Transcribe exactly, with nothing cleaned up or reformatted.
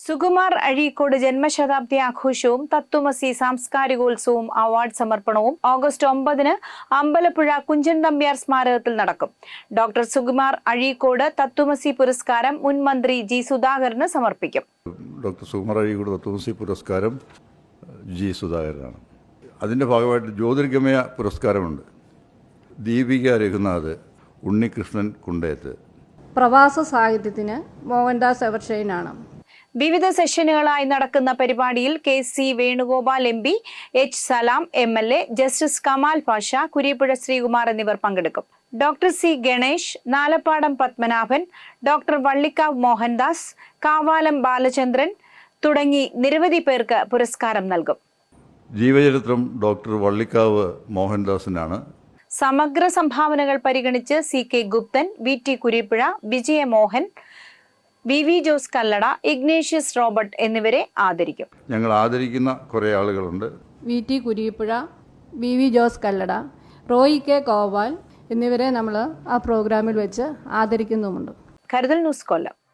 സുകുമാർ അഴീക്കോട് ജന്മശതാബ്ദി ആഘോഷവും തത്വമസി സാംസ്കാരികോത്സവവും അവാർഡ് സമർപ്പണവും ഓഗസ്റ്റ് ഒമ്പതിന് അമ്പലപ്പുഴ കുഞ്ചൻ നമ്പ്യാർ സ്മാരകത്തിൽ നടക്കും. ഡോക്ടർ സുകുമാർ അഴീക്കോട് തത്വമസി പുരസ്കാരം മുൻ മന്ത്രി ജി സുധാകരന് സമർപ്പിക്കും. ഡോക്ടർ സുകുമാർ അഴീക്കോട് തത്വമസി പുരസ്കാരം ജി സുധാകരനാണ്. അതിൻ്റെ ഭാഗമായിട്ട് ജ്യോതിർഗമയ പുരസ്കാരമുണ്ട്. ദീപിക രഘുനാഥ്, ഉണ്ണികൃഷ്ണൻ കുണ്ടേത്ത്. പ്രവാസ സാഹിത്യത്തിന് മോഹൻദാസ് എവർഷൈനാണ്. വിവിധ സെഷനുകളായി നടക്കുന്ന പരിപാടിയിൽ K C Venugopal M P, H Salam M L A, justice Kamal Pasha, Kureeppuzha Sreekumar എന്നിവർ പങ്കെടുക്കും. Doctor C Ganesh, Nalappadam Padmanabhan, doctor Vallikkavu Mohandas, Kavalam Balachandran തുടങ്ങി നിരവധി പേർക്ക് പുരസ്കാരം നൽകും. ജീവചരിത്രം ഡോക്ടർ വള്ളിക്കാവ് മോഹൻദാസിനാണ്. സമഗ്ര സംഭാവനകൾ പരിഗണിച്ച് C K Gupthan, V T Kureeppuzha, Vijayamohan, V V Jose Kallada, Ignatius Robert എന്നിവരെ ആദരിക്കും. ഞങ്ങൾ ആദരിക്കുന്ന കുറേ ആളുകളുണ്ട്. V T Kureeppuzha, V V Jose Kallada, Roy K Koval എന്നിവരെ നമ്മൾ ആ പ്രോഗ്രാമിൽ വെച്ച് ആദരിക്കുന്നുമുണ്ട്. കരുതൽ ന്യൂസ് കൊല്ലം.